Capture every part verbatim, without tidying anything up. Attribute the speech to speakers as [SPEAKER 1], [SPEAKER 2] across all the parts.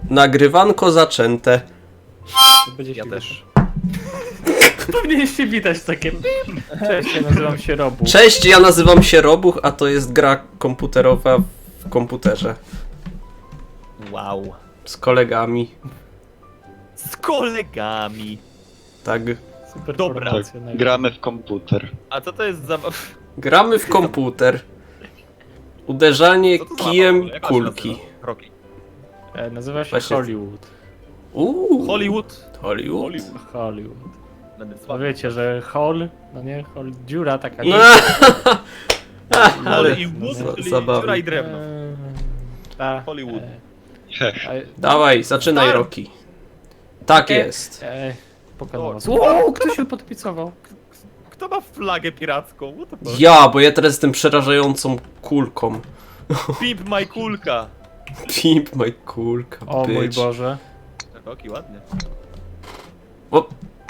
[SPEAKER 1] Nagrywanko zaczęte.
[SPEAKER 2] To będzie
[SPEAKER 3] Ja
[SPEAKER 2] się
[SPEAKER 3] też.
[SPEAKER 2] Powinniście widać takie. Cześć, ja nazywam się Robu.
[SPEAKER 1] Cześć, ja nazywam się Robuch, a to jest gra komputerowa w komputerze.
[SPEAKER 3] Wow.
[SPEAKER 1] Z kolegami.
[SPEAKER 3] Z kolegami.
[SPEAKER 1] Tak.
[SPEAKER 2] Super
[SPEAKER 3] Dobra.
[SPEAKER 2] formacja, najpierw.
[SPEAKER 4] Gramy w komputer.
[SPEAKER 3] A co to jest za...
[SPEAKER 1] Gramy w komputer. Uderzanie
[SPEAKER 3] Co to za
[SPEAKER 1] kijem
[SPEAKER 3] mapa? Jak ona się
[SPEAKER 1] kulki.
[SPEAKER 3] nazywa? Rocky.
[SPEAKER 2] E, nazywa się
[SPEAKER 1] Właśnie-
[SPEAKER 2] Hollywood.
[SPEAKER 1] Uuu.
[SPEAKER 3] Hollywood.
[SPEAKER 1] Hollywood.
[SPEAKER 3] Hollywood.
[SPEAKER 2] Hollywood.
[SPEAKER 3] Będę
[SPEAKER 2] No
[SPEAKER 3] słaby.
[SPEAKER 2] wiecie, że hall, no nie, hall, dziura taka.
[SPEAKER 1] No, ale
[SPEAKER 3] Hollywood,
[SPEAKER 1] za-
[SPEAKER 3] czyli
[SPEAKER 1] zabawne.
[SPEAKER 3] dziura i drewno.
[SPEAKER 2] Eee, ta,
[SPEAKER 3] Hollywood.
[SPEAKER 2] e,
[SPEAKER 4] Heh.
[SPEAKER 2] e,
[SPEAKER 1] dawaj, zaczynaj
[SPEAKER 3] Start.
[SPEAKER 1] Rocky. Tak
[SPEAKER 2] Okej.
[SPEAKER 1] jest.
[SPEAKER 2] e, Pokonał
[SPEAKER 3] O,
[SPEAKER 2] was. Wow, kto się podpicował?
[SPEAKER 3] Kto ma flagę piracką? What the fuck?
[SPEAKER 1] Ja, bo ja teraz jestem przerażającą kulką.
[SPEAKER 3] Pimp my kulka.
[SPEAKER 1] Pimp my kulka,
[SPEAKER 2] O mój
[SPEAKER 1] bitch.
[SPEAKER 2] Boże.
[SPEAKER 3] Rocky, ładnie.
[SPEAKER 1] O,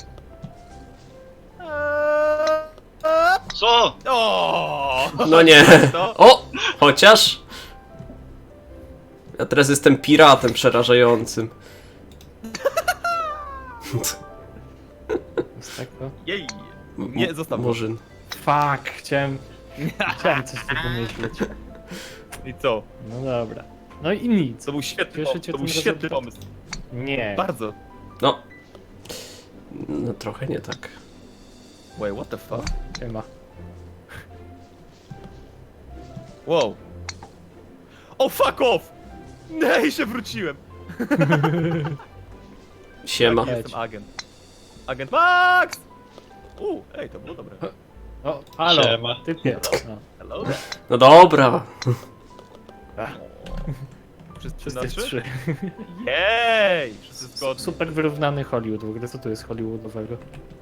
[SPEAKER 4] Co?
[SPEAKER 3] O!
[SPEAKER 1] no nie.
[SPEAKER 3] To?
[SPEAKER 1] O, chociaż. Ja teraz jestem piratem przerażającym.
[SPEAKER 2] Jest tak, no.
[SPEAKER 3] Jej. Nie, zostaw.
[SPEAKER 1] Murzyn.
[SPEAKER 2] Fuck, chciałem, chciałem coś tu pomyśleć.
[SPEAKER 3] I co?
[SPEAKER 2] No dobra. No i nic.
[SPEAKER 3] To był świetny,
[SPEAKER 2] Cieszę
[SPEAKER 3] pomysł.
[SPEAKER 2] cię
[SPEAKER 3] To był
[SPEAKER 2] tym
[SPEAKER 3] świetny
[SPEAKER 2] rezultatem.
[SPEAKER 3] pomysł.
[SPEAKER 2] Nie.
[SPEAKER 3] Bardzo.
[SPEAKER 1] No. No trochę nie tak.
[SPEAKER 3] Wait, what the fuck?
[SPEAKER 2] Nie ma.
[SPEAKER 3] Wow. O, fuck off! Nej, się wróciłem.
[SPEAKER 1] Siema.
[SPEAKER 3] Tak, jestem agent. Agent Max! U, ej, to było dobre.
[SPEAKER 2] O, halo,
[SPEAKER 4] Siema.
[SPEAKER 2] typie. No.
[SPEAKER 3] Hello?
[SPEAKER 1] No dobra.
[SPEAKER 3] Wszyscy
[SPEAKER 2] Wszyscy
[SPEAKER 3] na trzy?
[SPEAKER 2] trzy.
[SPEAKER 3] Jej! Wszyscy zgodni.
[SPEAKER 2] Super wyrównany Hollywood. W ogóle co tu jest Hollywoodowego?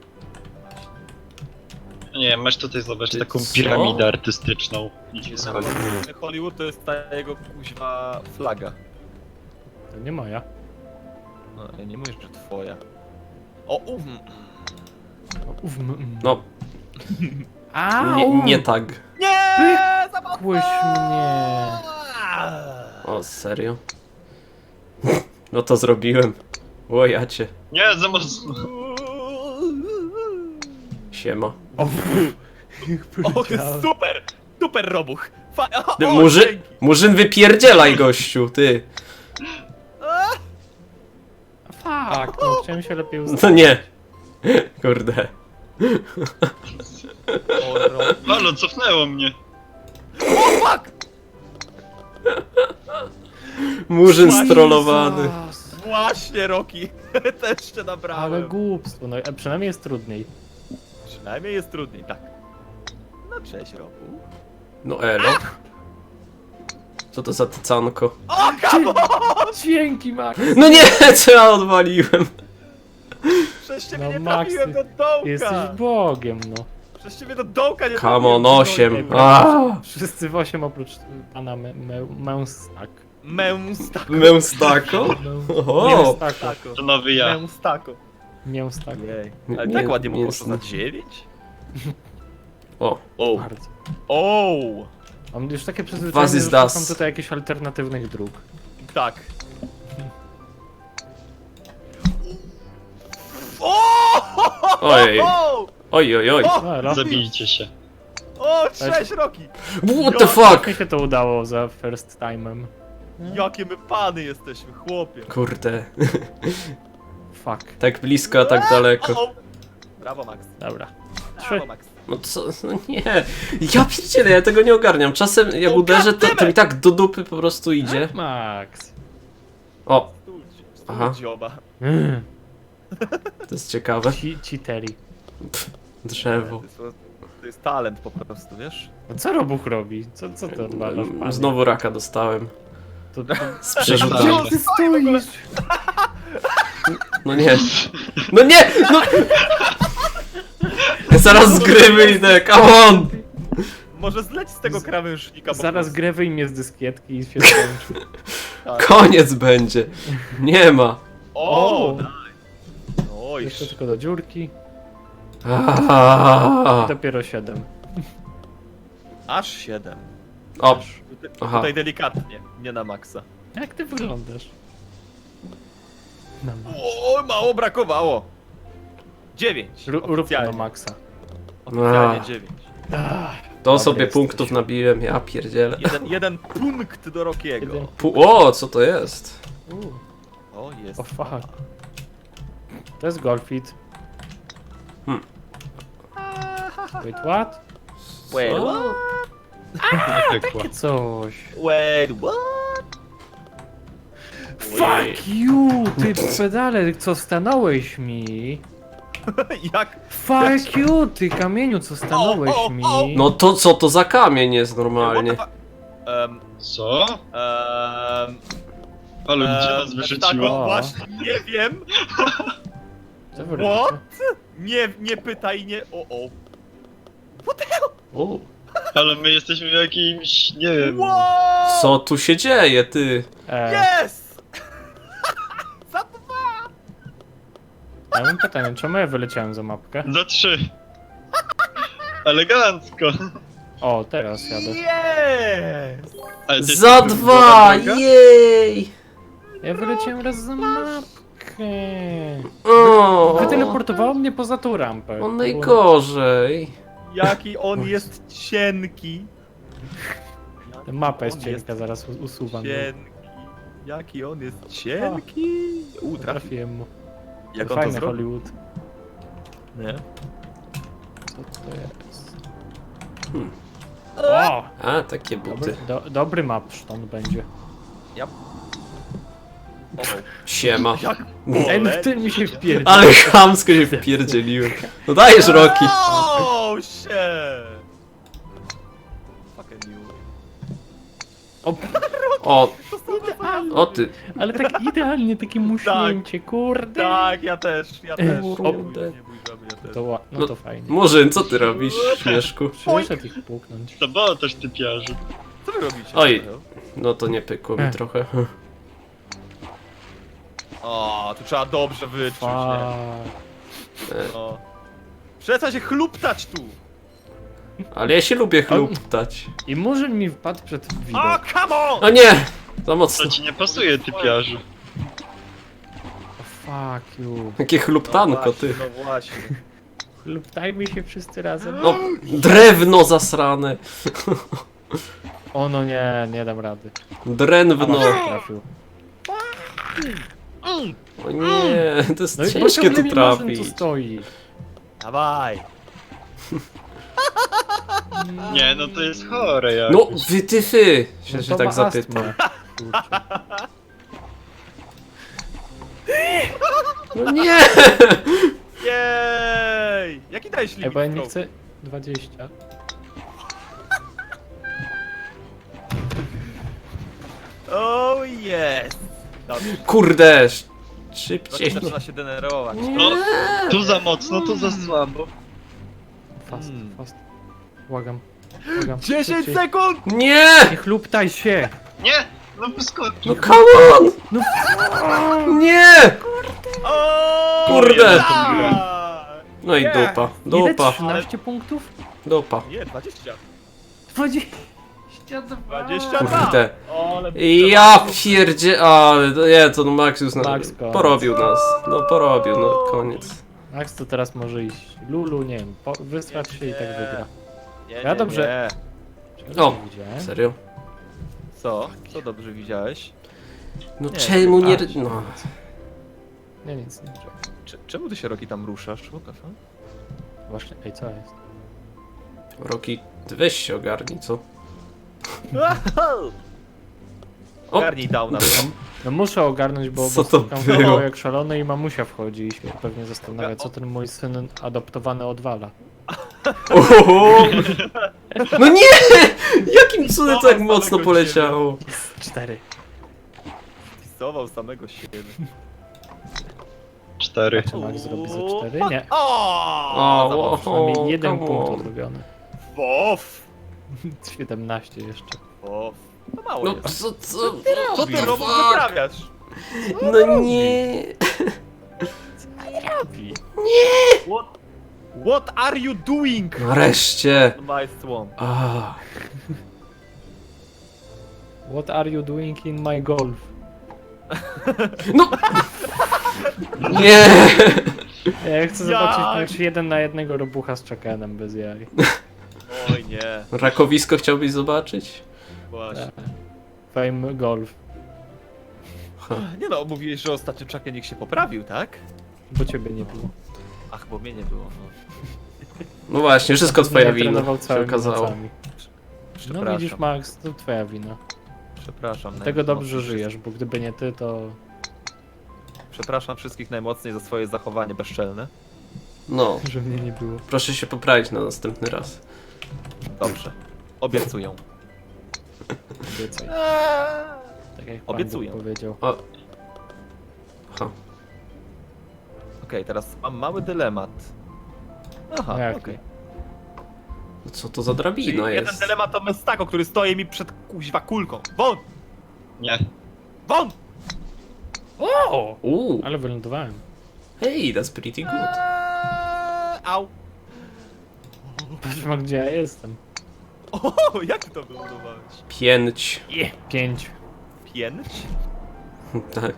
[SPEAKER 4] Nie, masz tutaj zobaczyć
[SPEAKER 1] Ty
[SPEAKER 4] taką
[SPEAKER 1] co?
[SPEAKER 4] piramidę artystyczną. Idzie z Hollywood.
[SPEAKER 3] Hollywood to jest ta jego kuźwa flaga.
[SPEAKER 2] To nie moja.
[SPEAKER 3] No, ja nie mówię, że twoja. O, uf.
[SPEAKER 2] O, uf, m, m.
[SPEAKER 1] No,
[SPEAKER 2] Au!
[SPEAKER 1] nie, nie tak.
[SPEAKER 3] Nie!
[SPEAKER 2] Kłyś mnie.
[SPEAKER 1] O, serio? No to zrobiłem. O, ja cię.
[SPEAKER 4] Nie, za mocno.
[SPEAKER 1] Siema.
[SPEAKER 2] O,
[SPEAKER 3] O, super! Super robuch! Fa o,
[SPEAKER 1] Ty,
[SPEAKER 3] o,
[SPEAKER 1] murzy...
[SPEAKER 3] dzięki.
[SPEAKER 1] Murzyn wypierdzielaj, gościu, ty.
[SPEAKER 2] fuck, no chciałem się lepiej ustawić.
[SPEAKER 1] No nie. Kurde.
[SPEAKER 3] O, ro-
[SPEAKER 4] Halo, cofnęło mnie.
[SPEAKER 3] o, fuck!
[SPEAKER 1] Murzyn
[SPEAKER 3] Jezus.
[SPEAKER 1] strollowany.
[SPEAKER 3] Właśnie, Rocky! Też cię
[SPEAKER 2] Ale
[SPEAKER 3] nabrałem.
[SPEAKER 2] głupstwo, no e, przynajmniej jest trudniej.
[SPEAKER 3] Przynajmniej jest trudniej, tak. No cześć, Roku.
[SPEAKER 1] No elo. Co to za tycanko?
[SPEAKER 3] O, come on!
[SPEAKER 2] Dzięki, Max!
[SPEAKER 1] No nie, co ja odwaliłem?
[SPEAKER 3] Przez ciebie
[SPEAKER 2] No,
[SPEAKER 3] nie
[SPEAKER 2] Max,
[SPEAKER 3] trafiłem do dołka!
[SPEAKER 2] Jesteś Bogiem, no.
[SPEAKER 3] Przez ciebie do dołka nie
[SPEAKER 1] Come on,
[SPEAKER 3] trafiłem.
[SPEAKER 1] osiem.
[SPEAKER 2] No,
[SPEAKER 1] Aaa.
[SPEAKER 2] Wszyscy w osiem oprócz pana me, me, Męstak.
[SPEAKER 3] Męstako.
[SPEAKER 1] Męstako? O,
[SPEAKER 2] Mięstako.
[SPEAKER 3] Tako.
[SPEAKER 4] To nowy ja.
[SPEAKER 3] Męstako.
[SPEAKER 2] Mięstako.
[SPEAKER 3] Jej. Ale
[SPEAKER 1] Nie-
[SPEAKER 3] tak ładnie mu poszło
[SPEAKER 1] mięsny.
[SPEAKER 3] za dziewięć?
[SPEAKER 1] o.
[SPEAKER 3] O.
[SPEAKER 2] Bardzo.
[SPEAKER 3] O.
[SPEAKER 2] Mam już takie
[SPEAKER 1] Was
[SPEAKER 2] przyzwyczajenie,
[SPEAKER 1] is
[SPEAKER 2] że
[SPEAKER 1] das.
[SPEAKER 2] szukam tutaj jakichś alternatywnych dróg.
[SPEAKER 3] Tak. O!
[SPEAKER 1] Ojej.
[SPEAKER 3] O!
[SPEAKER 1] Oj, oj, oj.
[SPEAKER 3] O!
[SPEAKER 2] Elo.
[SPEAKER 4] Zabijcie się.
[SPEAKER 3] O, cześć, Rocky!
[SPEAKER 1] What the fuck?
[SPEAKER 2] Mi się to udało za first time'em.
[SPEAKER 3] Jakie my pany jesteśmy, chłopie.
[SPEAKER 1] Kurde.
[SPEAKER 2] Fuck.
[SPEAKER 1] Tak blisko, a tak daleko.
[SPEAKER 3] O, o. Brawo, Max.
[SPEAKER 2] Dobra. Trzy.
[SPEAKER 3] Brawo, Max.
[SPEAKER 1] No co? No nie. Ja pierdzielę, ja tego nie ogarniam. Czasem jak
[SPEAKER 3] O,
[SPEAKER 1] uderzę, to, to
[SPEAKER 3] goddammit!
[SPEAKER 1] mi tak do dupy po prostu idzie.
[SPEAKER 2] Max.
[SPEAKER 1] O,
[SPEAKER 3] Stój,
[SPEAKER 1] Aha.
[SPEAKER 3] stój, dzioba.
[SPEAKER 2] Mm.
[SPEAKER 1] to jest ciekawe.
[SPEAKER 2] Ci, ci Terry.
[SPEAKER 1] Drzewo.
[SPEAKER 3] To jest, to jest talent po prostu, wiesz?
[SPEAKER 2] No co Robuch robi? Co, co ty odwalasz, panie?
[SPEAKER 1] Znowu raka dostałem.
[SPEAKER 2] To, to...
[SPEAKER 1] Z
[SPEAKER 4] Tak.
[SPEAKER 1] przerzutaniem.
[SPEAKER 2] Gdzie ty stoisz?
[SPEAKER 1] No nie. No nie! No! Zaraz z gry wyjdę, come on!
[SPEAKER 3] Może zleć z tego krawężnika po
[SPEAKER 2] Zaraz
[SPEAKER 3] prostu.
[SPEAKER 2] grę wyjmie z dyskietki i się skończy.
[SPEAKER 3] Tak.
[SPEAKER 1] Koniec będzie. Nie ma.
[SPEAKER 3] O!
[SPEAKER 2] O!
[SPEAKER 3] Nice. Oj,
[SPEAKER 2] Jeszcze tylko do dziurki.
[SPEAKER 1] Aaaa.
[SPEAKER 2] I dopiero siedem.
[SPEAKER 3] aż siedem.
[SPEAKER 1] O,
[SPEAKER 3] Tutaj,
[SPEAKER 1] Aha.
[SPEAKER 3] tutaj delikatnie, nie na maksa.
[SPEAKER 2] Jak ty wyglądasz? No,
[SPEAKER 3] O, mało brakowało. dziewięć.
[SPEAKER 2] Ró- Rób to
[SPEAKER 3] Oficjalnie.
[SPEAKER 2] do maksa.
[SPEAKER 3] Oficjalnie
[SPEAKER 1] A.
[SPEAKER 3] dziewięć.
[SPEAKER 2] Ach,
[SPEAKER 1] To
[SPEAKER 2] Dobry
[SPEAKER 1] sobie
[SPEAKER 2] jesteś.
[SPEAKER 1] punktów nabiłem, ja pierdzielę.
[SPEAKER 3] Jeden, jeden punkt do Rokiego.
[SPEAKER 2] Jeden.
[SPEAKER 1] Pu o, co to jest?
[SPEAKER 2] u,
[SPEAKER 3] O, jest.
[SPEAKER 2] o fuck. To jest Golfit.
[SPEAKER 1] Hmm.
[SPEAKER 2] Wait, what?
[SPEAKER 3] Wait,
[SPEAKER 1] Co?
[SPEAKER 3] what?
[SPEAKER 2] Takie coś.
[SPEAKER 3] Wait, what?
[SPEAKER 2] Fuck you, ty pedale, co stanąłeś mi?
[SPEAKER 3] Jak?
[SPEAKER 2] Fuck you, ty kamieniu, co stanąłeś
[SPEAKER 3] O, o,
[SPEAKER 2] mi?
[SPEAKER 3] o.
[SPEAKER 1] No to co to za kamień jest normalnie?
[SPEAKER 3] Um,
[SPEAKER 4] Co?
[SPEAKER 3] um,
[SPEAKER 4] Ale gdzie
[SPEAKER 3] um,
[SPEAKER 4] nas
[SPEAKER 3] tak,
[SPEAKER 4] wyrzuciło?
[SPEAKER 2] O.
[SPEAKER 3] właśnie, nie wiem.
[SPEAKER 2] Co wy
[SPEAKER 3] What?
[SPEAKER 2] robicie?
[SPEAKER 3] Nie, nie pytaj, nie. O, o.
[SPEAKER 1] O,
[SPEAKER 4] Ale my jesteśmy w jakimś, nie wiem...
[SPEAKER 3] Wow!
[SPEAKER 1] co tu się dzieje, ty?
[SPEAKER 2] E,
[SPEAKER 3] Yes! Za dwa!
[SPEAKER 2] ja mam pytanie, czemu ja wyleciałem za mapkę?
[SPEAKER 4] Za trzy. Elegancko.
[SPEAKER 2] O, teraz jadę.
[SPEAKER 3] Yes!
[SPEAKER 4] Ale to jest
[SPEAKER 1] Za
[SPEAKER 4] tylko
[SPEAKER 1] dwa!
[SPEAKER 4] druga droga?
[SPEAKER 1] Jej!
[SPEAKER 2] Ja wyleciałem raz za mapkę.
[SPEAKER 1] O,
[SPEAKER 2] Wyteleportowało mnie poza tą rampę.
[SPEAKER 1] on najgorzej.
[SPEAKER 3] Jaki on jest cienki.
[SPEAKER 2] Ta mapa jest
[SPEAKER 3] On
[SPEAKER 2] cienka, zaraz u- usuwam. ją.
[SPEAKER 3] Cienki. Jaki on jest cienki. U, trafi.
[SPEAKER 2] Trafiłem mu.
[SPEAKER 3] Jak on to
[SPEAKER 2] Fajny
[SPEAKER 3] zrobił?
[SPEAKER 2] Hollywood.
[SPEAKER 3] Nie?
[SPEAKER 2] Co to jest?
[SPEAKER 1] Hmm.
[SPEAKER 2] O!
[SPEAKER 1] A, takie
[SPEAKER 2] Dobry,
[SPEAKER 1] buty.
[SPEAKER 2] do, dobry mapszton będzie.
[SPEAKER 3] Ja. O,
[SPEAKER 1] Siema.
[SPEAKER 3] jak?
[SPEAKER 2] Ej, no ty mi się wpierdzi.
[SPEAKER 1] Ale chamsko się wpierdzieliłem. No dajesz, Roki.
[SPEAKER 3] Oh shit! Fucking you.
[SPEAKER 2] O,
[SPEAKER 1] O, o ty.
[SPEAKER 2] ale tak idealnie, takie muśnięcie, kurde.
[SPEAKER 3] Tak, ja też, ja też.
[SPEAKER 1] Kurde.
[SPEAKER 3] Nie bój, nie bój, żaby, ja też.
[SPEAKER 2] To, ła- no to fajnie.
[SPEAKER 1] Murzyn, co ty robisz, śmieszku?
[SPEAKER 2] Przyszedł ich puknąć.
[SPEAKER 4] To było też typiarzu.
[SPEAKER 3] Co wy robicie?
[SPEAKER 1] Oj. No to nie pykło mi
[SPEAKER 2] Ech.
[SPEAKER 1] trochę.
[SPEAKER 3] O, tu trzeba dobrze wyczuć, nie?
[SPEAKER 2] Fuck.
[SPEAKER 3] No. Przestań się chluptać tu!
[SPEAKER 1] Ale ja się lubię chluptać.
[SPEAKER 2] I murzyn mi wpadł przed
[SPEAKER 3] O,
[SPEAKER 2] widok.
[SPEAKER 3] come on!
[SPEAKER 1] O nie! Za mocno.
[SPEAKER 4] To ci nie pasuje, typiarzu.
[SPEAKER 2] O, fuck you.
[SPEAKER 1] Jakie chluptanko,
[SPEAKER 3] no
[SPEAKER 1] ty.
[SPEAKER 3] właśnie, no właśnie.
[SPEAKER 2] Luptajmy się wszyscy razem.
[SPEAKER 1] No, drewno zasrane.
[SPEAKER 2] O no nie, nie dam rady.
[SPEAKER 1] Drewno.
[SPEAKER 2] No. Trafił.
[SPEAKER 1] O nie, to jest
[SPEAKER 2] No i
[SPEAKER 1] ciężkie
[SPEAKER 2] ciągle
[SPEAKER 1] tu
[SPEAKER 2] mi murzyn tu
[SPEAKER 1] trafić.
[SPEAKER 2] stoi.
[SPEAKER 3] Dawaj!
[SPEAKER 4] Nie, no to jest chore jak.
[SPEAKER 1] No, wy ty fy, się,
[SPEAKER 2] No
[SPEAKER 1] się
[SPEAKER 2] to
[SPEAKER 1] tak
[SPEAKER 2] ma
[SPEAKER 1] zapytam.
[SPEAKER 2] astmę. Kurczę.
[SPEAKER 1] No nie!
[SPEAKER 3] Jej! Jaki dałeś
[SPEAKER 2] Ej,
[SPEAKER 3] limit?
[SPEAKER 2] bo ja nie
[SPEAKER 3] kroku?
[SPEAKER 2] chcę... dwadzieścia.
[SPEAKER 3] Oh yes! Dobrze,
[SPEAKER 1] Kurde,
[SPEAKER 3] Rocky
[SPEAKER 1] szybciej.
[SPEAKER 3] zaczyna się denerwować.
[SPEAKER 4] No, tu za mocno, tu za słabo.
[SPEAKER 2] Fast,
[SPEAKER 3] Mm.
[SPEAKER 2] fast. Błagam. Błagam.
[SPEAKER 3] dziesięć
[SPEAKER 2] Szybciej.
[SPEAKER 3] sekund!
[SPEAKER 1] Nie!
[SPEAKER 2] Nie chluptaj się!
[SPEAKER 4] Nie! No wyskocz.
[SPEAKER 1] No come on!
[SPEAKER 2] No
[SPEAKER 1] Nie!
[SPEAKER 3] O,
[SPEAKER 1] Kurde.
[SPEAKER 3] tak!
[SPEAKER 1] No i
[SPEAKER 3] Nie.
[SPEAKER 1] dupa,
[SPEAKER 2] ile?
[SPEAKER 1] dupa,
[SPEAKER 2] trzynaście punktów?
[SPEAKER 1] dupa.
[SPEAKER 3] Nie, dwadzieścia.
[SPEAKER 2] dwadzieścia dwa.
[SPEAKER 3] dwadzieścia dwa.
[SPEAKER 1] Kurde.
[SPEAKER 3] O, ale...
[SPEAKER 1] Ja pierdzie... Ale to nie, to no Max już na...
[SPEAKER 2] Max koniec.
[SPEAKER 1] porobił nas. No porobił, no koniec.
[SPEAKER 2] Max to teraz może iść. Lulu, nie wiem, po, wysrać się i tak wygra.
[SPEAKER 3] Nie,
[SPEAKER 2] Ja
[SPEAKER 3] nie,
[SPEAKER 2] dobrze.
[SPEAKER 3] nie.
[SPEAKER 2] Czego
[SPEAKER 1] O.
[SPEAKER 2] nie widziałem?
[SPEAKER 1] Serio?
[SPEAKER 3] Co? Co dobrze widziałeś?
[SPEAKER 1] No
[SPEAKER 3] Nie.
[SPEAKER 1] czemu nie...
[SPEAKER 2] A,
[SPEAKER 1] No.
[SPEAKER 2] Nie, nic, nie.
[SPEAKER 3] Cze- czemu ty się, Rocky, tam ruszasz? What the fuck?
[SPEAKER 2] Właśnie, ej, co jest?
[SPEAKER 1] Roki, ty weź się ogarnij, co? O!
[SPEAKER 3] Garnij downa.
[SPEAKER 2] No muszę ogarnąć, bo,
[SPEAKER 1] Co
[SPEAKER 2] bo
[SPEAKER 1] to
[SPEAKER 2] szukam
[SPEAKER 1] było?
[SPEAKER 2] kanału jak szalony i mamusia wchodzi i się pewnie zastanawia, co ten mój syn adoptowany odwala.
[SPEAKER 1] Oho! No nie! Jakim cudem
[SPEAKER 3] Zobacz
[SPEAKER 1] tak mocno
[SPEAKER 3] samego
[SPEAKER 1] poleciało?
[SPEAKER 2] Cztery.
[SPEAKER 3] Pisował samego siebie.
[SPEAKER 4] Cztery.
[SPEAKER 2] Czy Max zrobi ze cztery? Nie.
[SPEAKER 3] O!
[SPEAKER 1] O, o,
[SPEAKER 2] Przynajmniej jeden
[SPEAKER 1] come
[SPEAKER 2] punkt
[SPEAKER 1] on.
[SPEAKER 2] odrobiony.
[SPEAKER 3] Wof!
[SPEAKER 2] siedemnaście jeszcze.
[SPEAKER 3] Wof. To mało
[SPEAKER 1] No
[SPEAKER 3] jest.
[SPEAKER 1] co, co?
[SPEAKER 3] Co ty robot wyprawiasz?
[SPEAKER 1] No nie!
[SPEAKER 2] Robi.
[SPEAKER 3] What? What are you doing?
[SPEAKER 1] Nareszcie!
[SPEAKER 3] My swamp.
[SPEAKER 1] Ah,
[SPEAKER 2] What are you doing in my golf?
[SPEAKER 1] No! Nie!
[SPEAKER 2] Ja chcę
[SPEAKER 3] Jak?
[SPEAKER 2] zobaczyć mecz jeden na jednego robucha z Chuckenem bez jaj.
[SPEAKER 3] Oj nie,
[SPEAKER 1] Rakowisko chciałbyś zobaczyć?
[SPEAKER 3] właśnie.
[SPEAKER 2] Fame Golf.
[SPEAKER 3] Nie no, mówiłeś, że ostatnio Chucken się poprawił, tak?
[SPEAKER 2] Bo ciebie nie było.
[SPEAKER 3] Ach, bo mnie nie było, no.
[SPEAKER 1] No właśnie, wszystko twoja wina,
[SPEAKER 2] Trenował
[SPEAKER 1] się
[SPEAKER 2] całymi
[SPEAKER 1] okazało.
[SPEAKER 2] nocami. No
[SPEAKER 3] Przepraszam.
[SPEAKER 2] widzisz, Max, to twoja wina.
[SPEAKER 3] Przepraszam.
[SPEAKER 2] Tego dobrze
[SPEAKER 3] najmocniej
[SPEAKER 2] żyjesz, bo gdyby nie ty, to...
[SPEAKER 3] Przepraszam wszystkich najmocniej za swoje zachowanie bezczelne.
[SPEAKER 1] No,
[SPEAKER 2] że mnie nie było.
[SPEAKER 1] proszę się poprawić na następny raz.
[SPEAKER 3] Dobrze. Obiecuję.
[SPEAKER 2] Obiecaj. Tak jak Pan
[SPEAKER 3] Obiecuję.
[SPEAKER 2] Bóg powiedział.
[SPEAKER 1] O. Ha.
[SPEAKER 3] Okej, teraz mam mały dylemat. Aha,
[SPEAKER 2] Jaki?
[SPEAKER 3] okej.
[SPEAKER 1] No co to za
[SPEAKER 3] Czyli
[SPEAKER 1] drabina
[SPEAKER 3] jeden
[SPEAKER 1] jest?
[SPEAKER 3] dylemat to Mestako, który stoi mi przed kuźwa kulką. Won!
[SPEAKER 4] Nie.
[SPEAKER 3] Won!
[SPEAKER 2] O!
[SPEAKER 1] Uuu,
[SPEAKER 2] Ale wylądowałem.
[SPEAKER 1] hey, that's pretty good.
[SPEAKER 3] Eee, au!
[SPEAKER 2] Patrz ma, gdzie ja jestem.
[SPEAKER 3] O, jak ty to wylądowałeś?
[SPEAKER 1] Pięć.
[SPEAKER 2] Je, pięć.
[SPEAKER 3] Pięć?
[SPEAKER 1] Tak.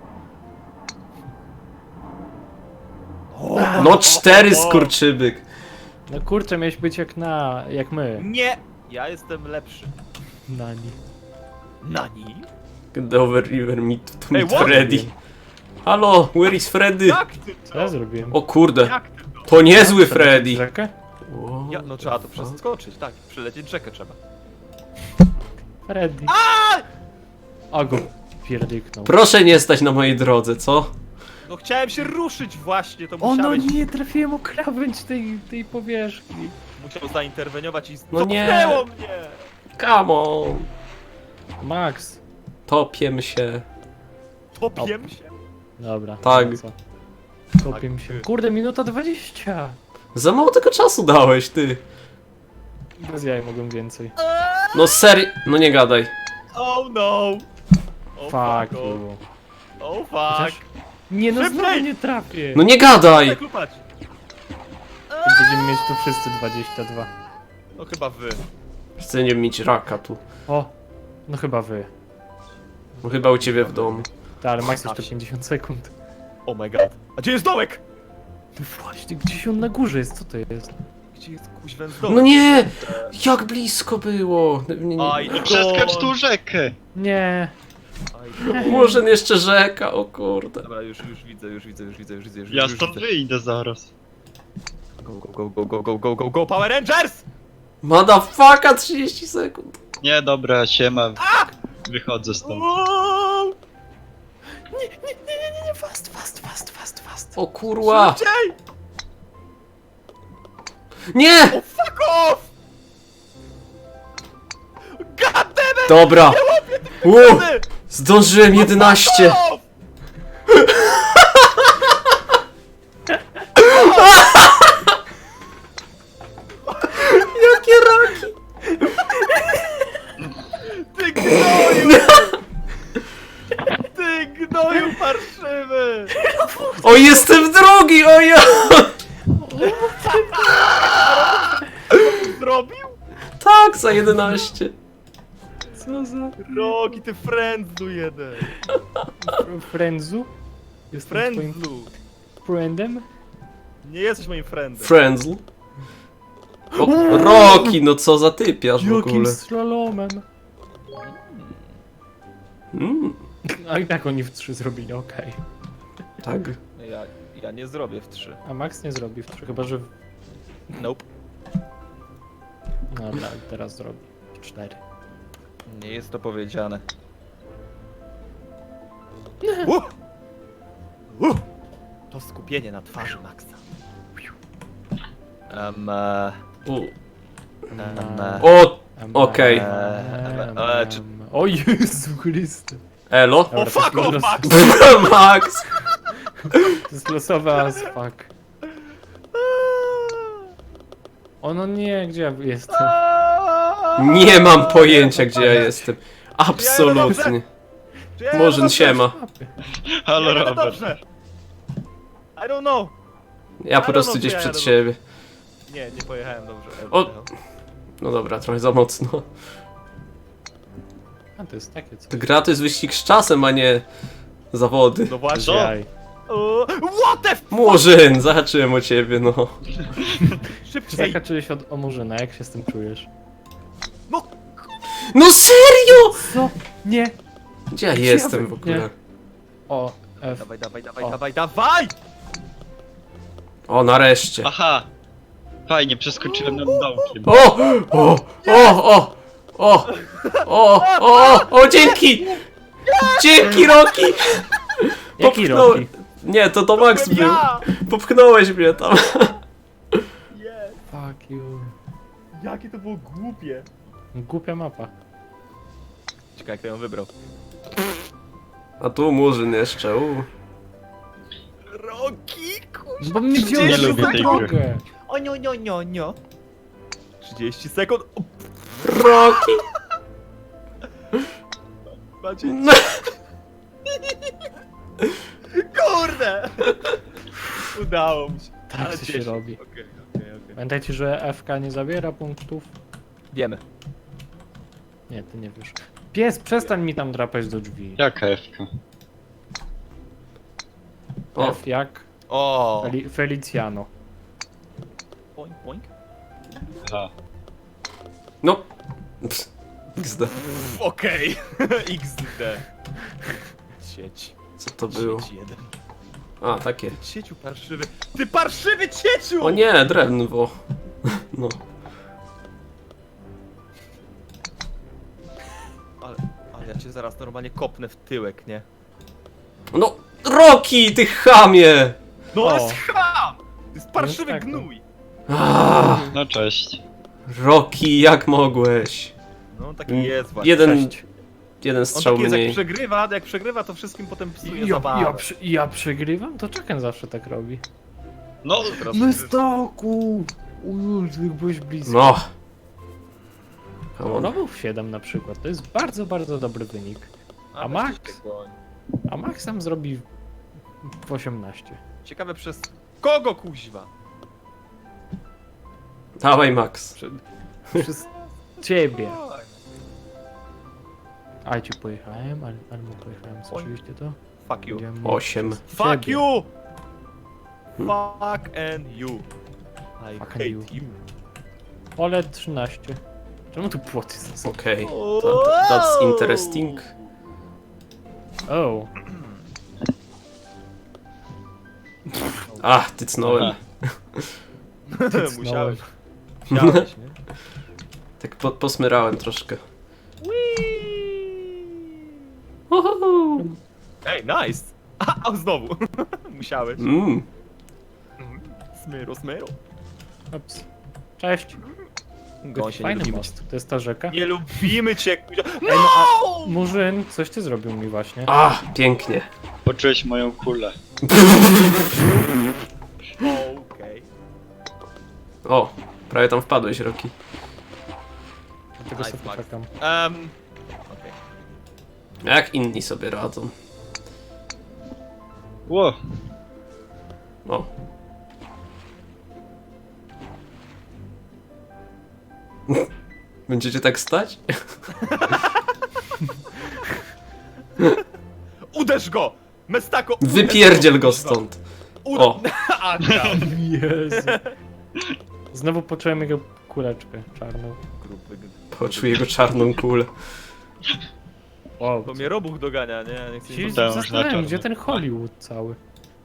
[SPEAKER 1] No cztery skurczybyk.
[SPEAKER 2] No kurczę, miałeś być jak na... jak my.
[SPEAKER 3] Nie! Ja jestem lepszy.
[SPEAKER 2] Nani.
[SPEAKER 3] Nani?
[SPEAKER 1] Get over river, meet, to
[SPEAKER 3] Hey,
[SPEAKER 1] meet
[SPEAKER 3] what?
[SPEAKER 1] Freddy. Halo, where is Freddy?
[SPEAKER 3] Jak ty
[SPEAKER 2] Co ja
[SPEAKER 3] to?
[SPEAKER 2] zrobiłem?
[SPEAKER 1] O kurde,
[SPEAKER 3] Jak ty to?
[SPEAKER 1] to niezły Freddy.
[SPEAKER 2] Rzekę?
[SPEAKER 1] Wow.
[SPEAKER 3] Ja, no trzeba to przeskoczyć, tak. Przylecieć rzekę trzeba.
[SPEAKER 2] Freddy. A go pierdyknął.
[SPEAKER 1] Proszę nie stać na mojej drodze, co?
[SPEAKER 3] No chciałem się ruszyć właśnie, to
[SPEAKER 2] O no
[SPEAKER 3] musiałeś...
[SPEAKER 2] nie, trafiłem o krawędź tej, tej powierzchni.
[SPEAKER 3] Musiał zainterweniować i
[SPEAKER 1] No nie.
[SPEAKER 3] cofnęło mnie!
[SPEAKER 1] Come on.
[SPEAKER 2] Max.
[SPEAKER 1] Topiem się.
[SPEAKER 3] Topiem się?
[SPEAKER 2] Dobra.
[SPEAKER 1] Tak.
[SPEAKER 2] no co? Kopię się. Kurde, minuta dwadzieścia.
[SPEAKER 1] Za mało tego czasu dałeś, ty.
[SPEAKER 2] Bez jaj mogłem więcej.
[SPEAKER 1] No serio, no nie gadaj.
[SPEAKER 3] Oh no! Oh
[SPEAKER 2] Fuck
[SPEAKER 3] fuck, oh,
[SPEAKER 2] you.
[SPEAKER 3] oh
[SPEAKER 2] Chociaż-
[SPEAKER 3] fuck!
[SPEAKER 2] Nie no,
[SPEAKER 3] Szybciej!
[SPEAKER 2] znowu nie trafię.
[SPEAKER 1] No nie gadaj.
[SPEAKER 3] Tak lupać!
[SPEAKER 2] Będziemy mieć tu wszyscy dwadzieścia dwa.
[SPEAKER 3] No chyba wy.
[SPEAKER 1] Chcę nie mieć raka tu.
[SPEAKER 2] O, no chyba wy.
[SPEAKER 1] No chyba u ciebie w domu.
[SPEAKER 2] Tak, ale Max jeszcze pięćdziesiąt sekund.
[SPEAKER 3] Oh my god. A gdzie jest dołek?
[SPEAKER 2] No właśnie, gdzieś on na górze jest, co to jest?
[SPEAKER 3] Gdzie jest kuźwę z dołek?
[SPEAKER 1] No nie! Jak blisko było! Nie, nie.
[SPEAKER 3] Aj,
[SPEAKER 4] No przeskacz tu rzekę.
[SPEAKER 2] Nie.
[SPEAKER 3] Aj,
[SPEAKER 1] Może jeszcze rzeka, o kurde.
[SPEAKER 3] Dobra, już, już widzę, już widzę, już widzę, już widzę, już,
[SPEAKER 4] Ja
[SPEAKER 3] już
[SPEAKER 4] stąd
[SPEAKER 3] widzę.
[SPEAKER 4] wyjdę zaraz.
[SPEAKER 3] Go, go, go, go, go, go, go, go, Power Rangers!
[SPEAKER 1] Motherfucka, trzydzieści sekund.
[SPEAKER 4] Nie, dobra, siema. Wychodzę stąd.
[SPEAKER 3] Wow!
[SPEAKER 2] Nie, nie, nie, nie, nie, fast, fast, fast, fast, fast.
[SPEAKER 1] O kurwa.
[SPEAKER 3] Szybciej!
[SPEAKER 1] Nie!
[SPEAKER 3] Oh, fuck off! God damn it!
[SPEAKER 1] Dobra.
[SPEAKER 3] Nie łapię tych
[SPEAKER 1] Uuu,
[SPEAKER 3] pieniędzy!
[SPEAKER 1] zdążyłem jedenaście.
[SPEAKER 3] Fuck off!
[SPEAKER 1] Jakie raki?
[SPEAKER 3] Ty gnoju! Ty gnoju parszywy!
[SPEAKER 1] O, jestem drugi, o ja!
[SPEAKER 3] Zrobił?
[SPEAKER 1] Tak, za jedenaście.
[SPEAKER 2] Co za...
[SPEAKER 3] Rogi, ty frędzlu jeden!
[SPEAKER 2] Friendzu? Jestem twoim
[SPEAKER 3] Frędzlu!
[SPEAKER 2] friendem?
[SPEAKER 3] Nie jesteś moim friendem.
[SPEAKER 1] Friendzl. O, Roki, no co za typiarz w
[SPEAKER 2] Jakim
[SPEAKER 1] ogóle.
[SPEAKER 2] slalomem?
[SPEAKER 1] Mm,
[SPEAKER 2] A i tak oni w trzy zrobili, okej.
[SPEAKER 1] tak.
[SPEAKER 3] Ja, ja nie zrobię w trzy.
[SPEAKER 2] A Max nie zrobi w trzy, chyba że...
[SPEAKER 3] Nope.
[SPEAKER 2] Dobra, teraz zrobi. w cztery.
[SPEAKER 3] Nie jest to powiedziane. Uh! Uh! To skupienie na twarzy Maxa. Um, e,
[SPEAKER 1] U.
[SPEAKER 3] um, e,
[SPEAKER 1] O,
[SPEAKER 2] Em,
[SPEAKER 1] okej.
[SPEAKER 2] em,
[SPEAKER 3] Eee,
[SPEAKER 2] em,
[SPEAKER 3] e, czy-
[SPEAKER 2] em. O Jezu Chryste.
[SPEAKER 1] elo.
[SPEAKER 3] O
[SPEAKER 2] Dobra,
[SPEAKER 3] fuck
[SPEAKER 2] to jest
[SPEAKER 3] off,
[SPEAKER 2] los-
[SPEAKER 3] Max!
[SPEAKER 1] Max.
[SPEAKER 2] To jest losowe as fuck. O no nie, gdzie ja jestem?
[SPEAKER 1] Nie mam pojęcia, gdzie ja jestem. Absolutnie.
[SPEAKER 3] Czy ja
[SPEAKER 1] Murzyn,
[SPEAKER 3] dobrze?
[SPEAKER 1] siema.
[SPEAKER 4] Halo,
[SPEAKER 3] Ja jadę
[SPEAKER 4] Robert.
[SPEAKER 3] dobrze. I don't know.
[SPEAKER 1] Ja po prostu gdzieś przed siebie.
[SPEAKER 3] Nie, nie pojechałem dobrze.
[SPEAKER 1] O. No dobra, trochę za mocno.
[SPEAKER 2] A to jest takie co.
[SPEAKER 1] To gra to jest wyścig z czasem, a nie Zawody.
[SPEAKER 3] No właśnie.
[SPEAKER 4] Co?
[SPEAKER 2] Jaj.
[SPEAKER 3] O, what the f...
[SPEAKER 1] Murzyn, zahaczyłem o ciebie, no.
[SPEAKER 3] Szybciej.
[SPEAKER 2] Zahaczyłeś od o Murzyna, jak się z tym czujesz?
[SPEAKER 3] No,
[SPEAKER 1] No serio!
[SPEAKER 2] Co? Nie!
[SPEAKER 1] Gdzie ja
[SPEAKER 2] Gdzie
[SPEAKER 1] jestem
[SPEAKER 2] ja
[SPEAKER 1] w
[SPEAKER 2] wy-
[SPEAKER 1] ogóle?
[SPEAKER 2] nie. O, F.
[SPEAKER 3] dawaj, dawaj, dawaj,
[SPEAKER 2] O.
[SPEAKER 3] dawaj, dawaj!
[SPEAKER 1] O, nareszcie.
[SPEAKER 4] Aha! Fajnie, przeskoczyłem nad dołkiem.
[SPEAKER 1] O! O! O! O! O! O! O! O! Dzięki! Dzięki, Roki!
[SPEAKER 2] Jaki
[SPEAKER 1] Popchnął-
[SPEAKER 2] Roki?
[SPEAKER 1] Nie, to to Max był.
[SPEAKER 3] Ja!
[SPEAKER 1] Popchnąłeś mnie tam.
[SPEAKER 3] Yes.
[SPEAKER 2] Fuck you.
[SPEAKER 3] Jakie to było głupie.
[SPEAKER 2] Głupia mapa.
[SPEAKER 3] Ciekawe, kto ją wybrał.
[SPEAKER 1] A tu Murzyn jeszcze, u.
[SPEAKER 3] Roki, kurwa.
[SPEAKER 2] Bo mnie wziąłeś
[SPEAKER 4] Nie
[SPEAKER 2] na
[SPEAKER 4] lubię tej
[SPEAKER 2] drogę.
[SPEAKER 4] gry.
[SPEAKER 3] O nio, nio, nio, nio. trzydzieści sekund. O,
[SPEAKER 1] Roki!
[SPEAKER 3] macie...
[SPEAKER 1] No.
[SPEAKER 3] Kurde! Udało mi się.
[SPEAKER 2] Tak to się
[SPEAKER 3] cieszę.
[SPEAKER 2] robi.
[SPEAKER 3] Okej, okej, okej.
[SPEAKER 2] Pamiętajcie, że F K nie zabiera punktów.
[SPEAKER 3] Wiemy.
[SPEAKER 2] Nie, ty nie wiesz. Pies, przestań mi tam drapać do drzwi.
[SPEAKER 4] Jaka F-ka?
[SPEAKER 1] O,
[SPEAKER 2] F jak
[SPEAKER 3] O!
[SPEAKER 2] Feli Feliciano.
[SPEAKER 3] Poink, poink.
[SPEAKER 4] Aha.
[SPEAKER 1] no. Ps, X D.
[SPEAKER 3] Okej. iks de. Sieć.
[SPEAKER 1] Co to było?
[SPEAKER 3] Sieć jeden.
[SPEAKER 1] A, takie.
[SPEAKER 3] Cieciu parszywy. Ty parszywy cieciu!
[SPEAKER 1] O nie, drewno. No.
[SPEAKER 3] Ale, ale ja cię zaraz normalnie kopnę w tyłek, nie?
[SPEAKER 1] No, Roki, ty chamie!
[SPEAKER 3] No
[SPEAKER 2] O.
[SPEAKER 3] ale scham! To jest parszywy
[SPEAKER 2] tak, no.
[SPEAKER 3] gnój!
[SPEAKER 1] Ah,
[SPEAKER 4] No cześć.
[SPEAKER 1] Roki, jak mogłeś?
[SPEAKER 3] No taki
[SPEAKER 1] Mm,
[SPEAKER 3] jest właśnie.
[SPEAKER 1] Jeden,
[SPEAKER 2] Cześć.
[SPEAKER 1] jeden
[SPEAKER 3] On
[SPEAKER 1] strzał
[SPEAKER 3] taki jest, jak
[SPEAKER 1] mniej.
[SPEAKER 3] przegrywa, jak przegrywa, to wszystkim potem psuje
[SPEAKER 2] Ja,
[SPEAKER 3] zabawę.
[SPEAKER 2] ja, przy, ja przegrywam? To Chucken zawsze tak robi.
[SPEAKER 4] No,
[SPEAKER 3] Teraz
[SPEAKER 2] Mystoku! Uj, ty byłeś blisko.
[SPEAKER 1] No. Come on.
[SPEAKER 2] No był w siedem na przykład, to jest bardzo, bardzo dobry wynik. A Max? A Max tam zrobi w osiemnaście.
[SPEAKER 3] Ciekawe przez kogo kuźwa?
[SPEAKER 1] Dawaj, Max.
[SPEAKER 2] Przed, przez ciebie. A ci pojechałem, ale, ale mu pojechałem,
[SPEAKER 3] Oj.
[SPEAKER 2] słyszeliście to?
[SPEAKER 3] Fuck you.
[SPEAKER 2] Będziemy
[SPEAKER 1] Osiem.
[SPEAKER 2] przez
[SPEAKER 3] Fuck
[SPEAKER 2] ciebie.
[SPEAKER 3] you!
[SPEAKER 1] Hmm.
[SPEAKER 3] Fuck and you. I
[SPEAKER 2] Fuck and
[SPEAKER 3] hate
[SPEAKER 2] you.
[SPEAKER 3] you.
[SPEAKER 2] Ole trzynaście. Czemu tu płoty są?
[SPEAKER 1] Okej. That, that's interesting.
[SPEAKER 2] O,
[SPEAKER 1] Ach, tycnąłem.
[SPEAKER 4] Aha.
[SPEAKER 3] Musiałeś. Musiałeś, nie?
[SPEAKER 1] Tak po, posmyrałem troszkę.
[SPEAKER 3] Ej, nice! A, a znowu! Musiałeś.
[SPEAKER 1] Mm.
[SPEAKER 3] Smyro, smyro.
[SPEAKER 2] ups. Cześć.
[SPEAKER 3] Gąsie, nie
[SPEAKER 2] Fajny
[SPEAKER 3] lubimy cię.
[SPEAKER 2] most, to jest ta rzeka.
[SPEAKER 3] Nie lubimy cię, kuzia.
[SPEAKER 2] Ej, no a Murzyn, coś ty zrobił mi właśnie.
[SPEAKER 1] A, pięknie.
[SPEAKER 4] Poczułeś moją kulę.
[SPEAKER 3] Okej.
[SPEAKER 1] O, prawie tam wpadłeś, Roki.
[SPEAKER 2] Dlatego
[SPEAKER 3] Nice,
[SPEAKER 2] sobie
[SPEAKER 3] Max.
[SPEAKER 2] czekam.
[SPEAKER 3] Um, okej.
[SPEAKER 1] Jak inni sobie radzą.
[SPEAKER 4] Ło,
[SPEAKER 1] O. Będziecie tak stać?
[SPEAKER 3] Uderz go! Mestako!
[SPEAKER 1] Wypierdziel go stąd.
[SPEAKER 3] Ud-
[SPEAKER 1] O.
[SPEAKER 3] A, tam.
[SPEAKER 2] Jezu. Znowu poczułem jego kuleczkę czarną.
[SPEAKER 3] Grupy.
[SPEAKER 1] Poczuł jego czarną kulę.
[SPEAKER 2] Wow.
[SPEAKER 3] To mnie robuch dogania, nie? Nie chcę
[SPEAKER 2] Się
[SPEAKER 3] mi
[SPEAKER 4] Podałem już na
[SPEAKER 2] zastanawiam,
[SPEAKER 4] czarno.
[SPEAKER 2] gdzie ten Hollywood cały.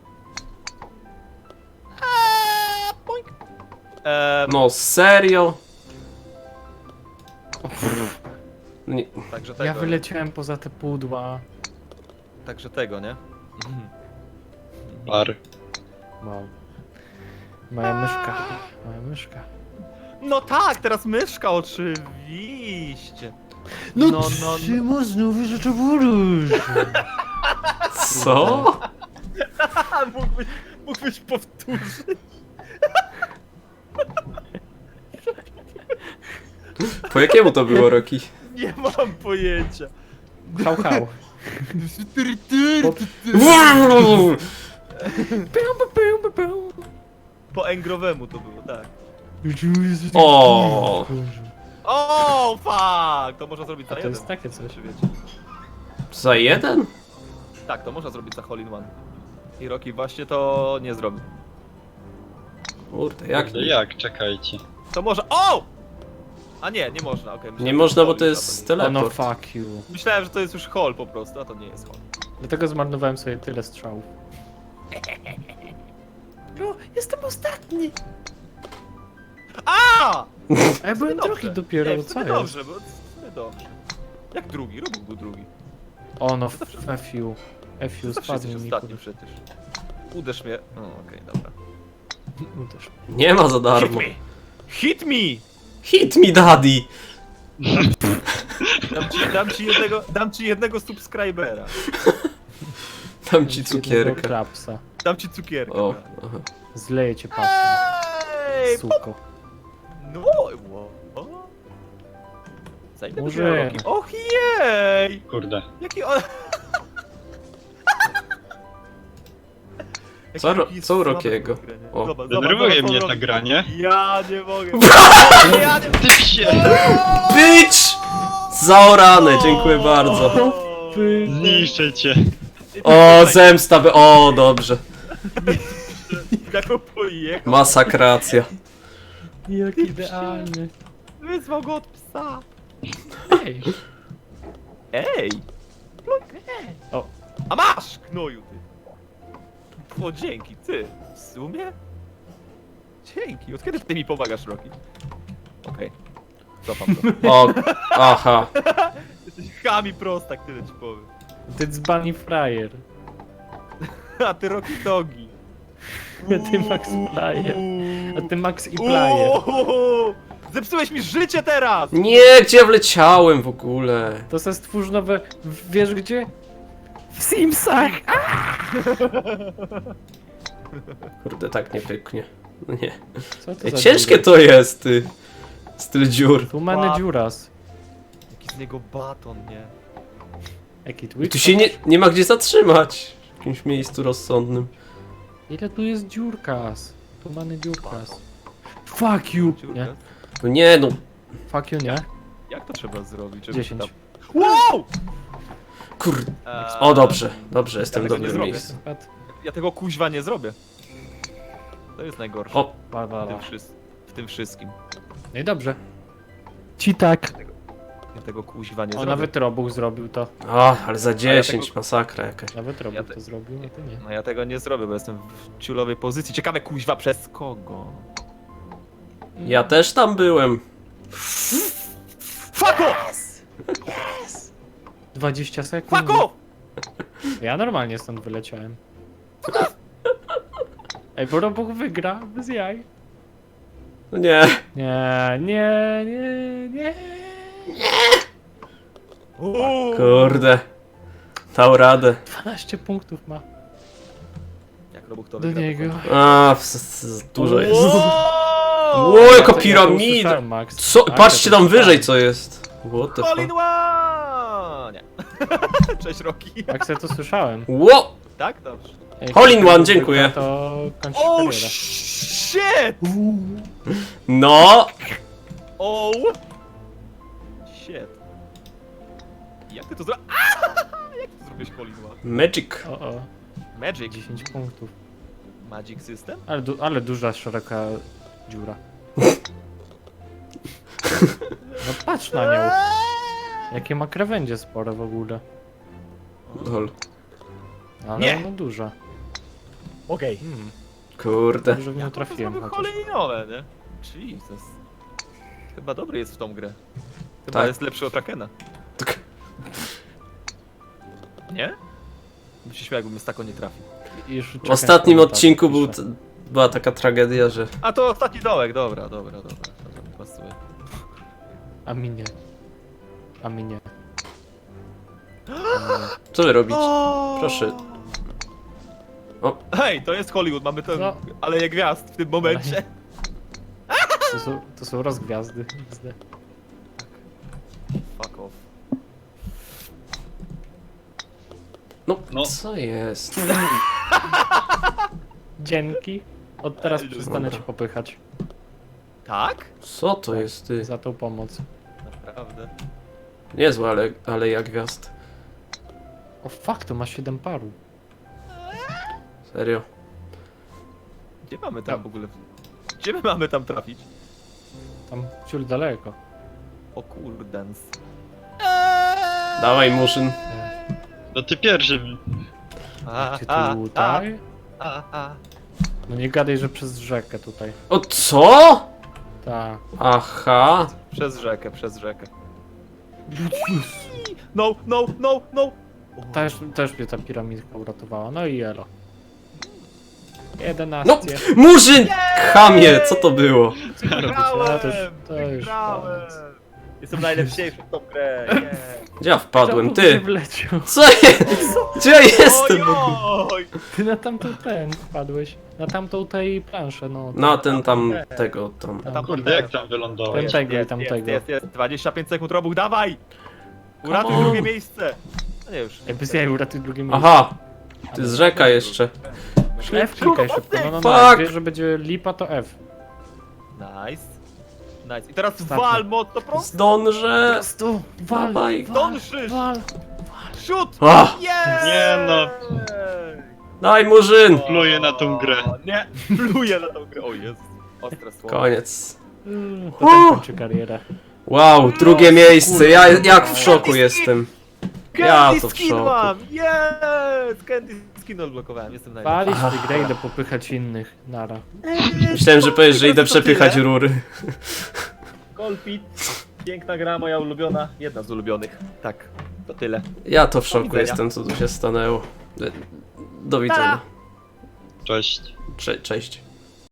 [SPEAKER 3] Ehm,
[SPEAKER 1] No, serio? Nie,
[SPEAKER 3] Także tego,
[SPEAKER 2] Ja
[SPEAKER 3] nie?
[SPEAKER 2] wyleciałem poza te pudła.
[SPEAKER 3] Także tego, nie?
[SPEAKER 4] par.
[SPEAKER 2] Wow. Moja myszka. Moja myszka.
[SPEAKER 3] No tak, teraz myszka oczywiście. No, no, no.
[SPEAKER 2] Szymon znowu rzeczy burusz.
[SPEAKER 1] co?
[SPEAKER 3] A, mógłbyś, mógłbyś powtórzyć.
[SPEAKER 1] Po jakiemu to było, Roki?
[SPEAKER 3] Nie mam pojęcia.
[SPEAKER 2] Hał, hał.
[SPEAKER 3] Po engrowemu to było, tak.
[SPEAKER 1] O.
[SPEAKER 3] O, fuck! To można zrobić
[SPEAKER 2] A
[SPEAKER 3] za
[SPEAKER 2] to
[SPEAKER 3] jeden.
[SPEAKER 2] jest takie coś.
[SPEAKER 3] Czy wiecie?
[SPEAKER 1] Za jeden?
[SPEAKER 3] Tak, to można zrobić za hole in one. I Rocky właśnie to nie zrobił.
[SPEAKER 1] Kurde, jak
[SPEAKER 4] Kurde,
[SPEAKER 1] nie?
[SPEAKER 4] jak? Czekajcie.
[SPEAKER 3] To może... O! A nie, nie można, okej. myślałem,
[SPEAKER 1] Nie
[SPEAKER 3] że
[SPEAKER 1] można, bo
[SPEAKER 3] hole
[SPEAKER 1] to
[SPEAKER 3] już,
[SPEAKER 1] jest
[SPEAKER 3] a nie.
[SPEAKER 2] Oh no
[SPEAKER 1] teleport.
[SPEAKER 2] fuck you.
[SPEAKER 3] Myślałem, że to jest już hole po prostu, a to nie jest hole.
[SPEAKER 2] Dlatego zmarnowałem sobie tyle strzałów. No, jestem ostatni!
[SPEAKER 3] A!
[SPEAKER 2] A ja byłem
[SPEAKER 3] Dobrze.
[SPEAKER 2] drugi dopiero,
[SPEAKER 3] Nie,
[SPEAKER 2] no
[SPEAKER 3] w
[SPEAKER 2] co
[SPEAKER 3] sumie
[SPEAKER 2] jest?
[SPEAKER 3] dobrze, bo w sumie dobrze. Jak drugi? Robił był drugi.
[SPEAKER 2] O no, F you. F you,
[SPEAKER 3] Zawsze jesteś
[SPEAKER 2] spadnie mi.
[SPEAKER 3] ostatni przecież. Uderz mnie. O, okej, dobra.
[SPEAKER 2] Uderz.
[SPEAKER 1] Nie ma za
[SPEAKER 3] Hit
[SPEAKER 1] darmo.
[SPEAKER 3] me! Hit me!
[SPEAKER 1] Hit me daddy!
[SPEAKER 3] Dam ci, dam ci, jednego, dam ci jednego subskrybera.
[SPEAKER 1] Dam ci cukierka.
[SPEAKER 2] Klapsa.
[SPEAKER 3] Dam ci cukierka.
[SPEAKER 1] O, aha.
[SPEAKER 2] Zleję cię pasem,
[SPEAKER 3] Ej,
[SPEAKER 2] suko.
[SPEAKER 3] no! O. Zajmę
[SPEAKER 2] Może-
[SPEAKER 3] Może... Roki. Och jej!
[SPEAKER 4] Kurde.
[SPEAKER 3] Jaki on... Jaki
[SPEAKER 1] Co ro-
[SPEAKER 3] Rocky jest
[SPEAKER 1] co u
[SPEAKER 3] słaby w
[SPEAKER 1] Rockiego?
[SPEAKER 3] tą grę, nie?
[SPEAKER 1] O.
[SPEAKER 3] Zobacz, zobacz,
[SPEAKER 4] Denerwuje
[SPEAKER 3] zobacz, co
[SPEAKER 4] mnie
[SPEAKER 3] on
[SPEAKER 4] ta
[SPEAKER 3] robi.
[SPEAKER 4] gra, nie?
[SPEAKER 3] Ja nie mogę. Ja nie
[SPEAKER 4] Ty się!
[SPEAKER 1] Bitch! Zaorane, dziękuję bardzo.
[SPEAKER 3] O,
[SPEAKER 4] Zniszczę cię.
[SPEAKER 1] O, zemsta by... O, dobrze.
[SPEAKER 3] Jak on pojechał.
[SPEAKER 1] Masakracja.
[SPEAKER 2] Jak idealny.
[SPEAKER 3] Wyzwał go od psa.
[SPEAKER 2] Ej,
[SPEAKER 3] Ej!
[SPEAKER 2] O.
[SPEAKER 3] A masz, knoju ty! O, dzięki, ty. W sumie? Dzięki. Od kiedy ty mi pomagasz, Rocky? Okej. Cofam to.
[SPEAKER 1] O, aha.
[SPEAKER 3] Jesteś chami prostak, tyle ci powiem.
[SPEAKER 2] ty dzbani frajer.
[SPEAKER 3] A ty Rocky Dogi.
[SPEAKER 2] A ty Max Player. A ty Max i Player.
[SPEAKER 3] Uuu, zepsułeś mi życie teraz!
[SPEAKER 1] Nie, gdzie ja wleciałem w ogóle?
[SPEAKER 2] To se stwórz nowe... Wiesz gdzie? W Simsach!
[SPEAKER 1] Kurde, tak nie pyknie. No nie.
[SPEAKER 2] Co to
[SPEAKER 1] Ej,
[SPEAKER 2] za
[SPEAKER 1] ciężkie
[SPEAKER 2] dziura?
[SPEAKER 1] to jest, ty. Styl dziur.
[SPEAKER 2] Tłumany
[SPEAKER 3] Ła-
[SPEAKER 2] dziuras.
[SPEAKER 3] Jaki z niego baton, nie?
[SPEAKER 2] Jaki
[SPEAKER 1] I
[SPEAKER 2] tweet?
[SPEAKER 1] tu się nie, nie ma gdzie zatrzymać. W jakimś miejscu rozsądnym.
[SPEAKER 2] Ile tu jest dziurkas? Tłumany dziurkas. Fuck you!
[SPEAKER 3] Dziurka?
[SPEAKER 2] Nie?
[SPEAKER 1] No nie, no.
[SPEAKER 2] Fuck you, nie?
[SPEAKER 3] Jak to trzeba zrobić, żeby
[SPEAKER 2] dziesięć.
[SPEAKER 3] Tam... Wow!
[SPEAKER 1] Kurde.
[SPEAKER 3] Eee,
[SPEAKER 1] O, dobrze, dobrze, jestem w
[SPEAKER 3] tego nie
[SPEAKER 1] dobrym
[SPEAKER 3] zrobię.
[SPEAKER 1] miejscu.
[SPEAKER 2] Spadł.
[SPEAKER 3] Ja tego kuźwa nie zrobię. To jest najgorsze.
[SPEAKER 1] O,
[SPEAKER 2] Ba, ba,
[SPEAKER 3] W tym,
[SPEAKER 2] ba.
[SPEAKER 3] wszys- w tym wszystkim.
[SPEAKER 2] No i dobrze. Ci tak.
[SPEAKER 3] Ja tego kuźwa nie
[SPEAKER 2] O,
[SPEAKER 3] zrobię.
[SPEAKER 2] nawet Robuch zrobił to.
[SPEAKER 1] o, ale za dziesięć,
[SPEAKER 3] tego-
[SPEAKER 1] masakra jakaś.
[SPEAKER 2] Nawet Robuch
[SPEAKER 3] te-
[SPEAKER 2] to zrobił, a ty nie.
[SPEAKER 3] No ja tego nie zrobię, bo jestem w ciulowej pozycji. Ciekawe kuźwa przez kogo?
[SPEAKER 1] Ja też tam byłem.
[SPEAKER 3] Fuck off!
[SPEAKER 2] dwadzieścia sekund.
[SPEAKER 3] Fuck off!
[SPEAKER 2] Ja normalnie stąd wyleciałem. Ej, bo Robuch wygra, bez jaj.
[SPEAKER 1] No nie.
[SPEAKER 2] Nie, nie, nie, nie.
[SPEAKER 3] Uuu.
[SPEAKER 1] Kurde. Dał radę.
[SPEAKER 2] dwanaście punktów ma.
[SPEAKER 3] Jak Robuch to
[SPEAKER 2] Do
[SPEAKER 3] wygra, to
[SPEAKER 2] niego.
[SPEAKER 3] kończy.
[SPEAKER 1] A, w- s- s- dużo jest.
[SPEAKER 3] Wow!
[SPEAKER 1] Ło, jaka
[SPEAKER 2] Ja to- ja to
[SPEAKER 1] piramida!
[SPEAKER 2] usłyszałem, Max.
[SPEAKER 1] Co?
[SPEAKER 2] Tak,
[SPEAKER 1] Patrzcie
[SPEAKER 2] ja to
[SPEAKER 1] tam wyżej
[SPEAKER 2] usłyszałem.
[SPEAKER 1] co jest. What the
[SPEAKER 3] Hole in
[SPEAKER 1] fuck?
[SPEAKER 3] one! Nie. Cześć Rocky.
[SPEAKER 2] Max, ja to słyszałem.
[SPEAKER 1] Ło!
[SPEAKER 3] Tak? Dobrze.
[SPEAKER 2] Ej,
[SPEAKER 1] Hole in
[SPEAKER 2] jak
[SPEAKER 1] one,
[SPEAKER 2] to
[SPEAKER 1] dziękuję.
[SPEAKER 2] wygra, To kończy
[SPEAKER 3] Oh
[SPEAKER 2] karierę.
[SPEAKER 3] shit!
[SPEAKER 1] No!
[SPEAKER 3] Oh! Shit. Jak ty to zrobiłeś? Jak ty zrobiłeś hole in one?
[SPEAKER 1] Magic.
[SPEAKER 2] O, o,
[SPEAKER 3] Magic.
[SPEAKER 2] dziesięć punktów.
[SPEAKER 3] Magic System?
[SPEAKER 2] Ale, du ale duża, szeroka dziura. No patrz na nią. Jakie ma krawędzie spore w ogóle.
[SPEAKER 1] Lol.
[SPEAKER 2] Ale
[SPEAKER 3] Nie.
[SPEAKER 2] no duża.
[SPEAKER 3] Okej.
[SPEAKER 2] Hmm.
[SPEAKER 1] Kurde.
[SPEAKER 2] Dobrze w nią trafiłem
[SPEAKER 3] Zrobił
[SPEAKER 2] chociaż.
[SPEAKER 3] hole in one, nie? Jesus. Chyba dobry jest w tą grę. Chyba
[SPEAKER 1] Tak.
[SPEAKER 3] jest lepszy od Rakena.
[SPEAKER 1] Tak.
[SPEAKER 3] Nie? Bym się śmiał, jakbym z taką nie trafił.
[SPEAKER 2] I już
[SPEAKER 1] W
[SPEAKER 2] czekam
[SPEAKER 1] ostatnim
[SPEAKER 2] komentarz,
[SPEAKER 1] odcinku był,
[SPEAKER 2] piszę.
[SPEAKER 1] t- była taka tragedia, że...
[SPEAKER 3] A to ostatni dołek, dobra, dobra, dobra. To mi pasuje.
[SPEAKER 2] A mi nie. A mi nie.
[SPEAKER 1] Co wy robicie? Proszę.
[SPEAKER 3] Hej, to jest Hollywood, mamy tę
[SPEAKER 2] No.
[SPEAKER 3] aleję gwiazd w tym momencie.
[SPEAKER 2] To są, to są rozgwiazdy. X D.
[SPEAKER 3] Fuck off.
[SPEAKER 1] No,
[SPEAKER 4] No.
[SPEAKER 1] co jest?
[SPEAKER 2] Dzięki. Od teraz
[SPEAKER 3] Ej,
[SPEAKER 2] przestanę
[SPEAKER 1] dobra.
[SPEAKER 2] cię popychać
[SPEAKER 3] Tak?
[SPEAKER 1] Co to jest, ty?
[SPEAKER 2] za tą pomoc.
[SPEAKER 3] Naprawdę.
[SPEAKER 1] Niezłe, ale, ale jak gwiazd.
[SPEAKER 2] O fuck, to ma siedem paru.
[SPEAKER 1] Serio.
[SPEAKER 3] Gdzie mamy tam w ogóle... Gdzie my mamy tam trafić?
[SPEAKER 2] Tam ciul daleko.
[SPEAKER 3] O kurdens.
[SPEAKER 1] Dawaj, Murzyn.
[SPEAKER 4] No ty pierwszy.
[SPEAKER 3] A,
[SPEAKER 2] Gdzie
[SPEAKER 3] a,
[SPEAKER 2] tutaj?
[SPEAKER 3] a, a.
[SPEAKER 2] No nie gadaj, że przez rzekę tutaj.
[SPEAKER 1] O co?
[SPEAKER 2] Ta.
[SPEAKER 1] Aha.
[SPEAKER 3] Przez rzekę, przez rzekę. No, no, no, no!
[SPEAKER 2] Też, też mnie ta piramidka uratowała. No i elo.
[SPEAKER 1] No,
[SPEAKER 2] jedenaście.
[SPEAKER 1] Murzyn! Chamie, co to było?
[SPEAKER 2] No to już, to już
[SPEAKER 3] Wygrałem!
[SPEAKER 2] koniec.
[SPEAKER 3] Jestem najlepszy w tą grę, nie!
[SPEAKER 1] Gdzie ja wpadłem?
[SPEAKER 2] Czemu nie
[SPEAKER 1] Ty!
[SPEAKER 2] wleciał?
[SPEAKER 1] Co jest? Gdzie ja jestem?
[SPEAKER 3] Ojoj!
[SPEAKER 2] Ty na tamtą ten wpadłeś. Na tamtą tej planszę, no.
[SPEAKER 1] Na ten tam, tego tam.
[SPEAKER 2] Tam,
[SPEAKER 4] Kurde, jak tam wylądowałeś?
[SPEAKER 2] Ten tego i
[SPEAKER 3] Jest,
[SPEAKER 2] tamtego.
[SPEAKER 3] jest, jest, jest. dwadzieścia pięć sekund, Robuch, dawaj! Uratuj
[SPEAKER 1] Come on.
[SPEAKER 3] drugie miejsce! No nie już.
[SPEAKER 2] Ej, bez jaj, uratuj drugie miejsce.
[SPEAKER 1] Aha! To jest rzeka jeszcze.
[SPEAKER 2] F klikaj szybko, no no no.
[SPEAKER 1] Fuck.
[SPEAKER 2] Jak wiesz, że będzie lipa, to F.
[SPEAKER 3] Nice. Nice. I teraz
[SPEAKER 2] Ostatni.
[SPEAKER 3] wal mocno prosto!
[SPEAKER 1] Zdążę!
[SPEAKER 2] prostu, wal,
[SPEAKER 1] Dawaj.
[SPEAKER 3] Dążysz!
[SPEAKER 2] wal.
[SPEAKER 3] Shoot!
[SPEAKER 1] Ah,
[SPEAKER 3] Yes!
[SPEAKER 4] Nie no.
[SPEAKER 1] daj, Murzyn!
[SPEAKER 4] Pluję na tą grę.
[SPEAKER 3] O, nie, pluję na tą grę. O Jezu. Ostre słowo.
[SPEAKER 1] Koniec.
[SPEAKER 2] Mm, To tak kończy karierę.
[SPEAKER 1] Wow, drugie miejsce. Ja jak w szoku jestem. Ja
[SPEAKER 3] Candy
[SPEAKER 1] to w
[SPEAKER 3] skin
[SPEAKER 1] szoku.
[SPEAKER 3] mam! Yes! Candy skin odblokowałem, jestem najlepszy.
[SPEAKER 2] Walić tę grę, idę popychać innych. Nara.
[SPEAKER 1] Myślałem, że powiesz, że idę przepychać rury.
[SPEAKER 3] Colpit. Piękna gra, moja ulubiona. Jedna z ulubionych. Tak, to tyle.
[SPEAKER 1] Ja to w szoku
[SPEAKER 3] widzenia.
[SPEAKER 1] jestem, co tu się stanęło. Do widzenia.
[SPEAKER 4] Cześć.
[SPEAKER 1] Cze cześć.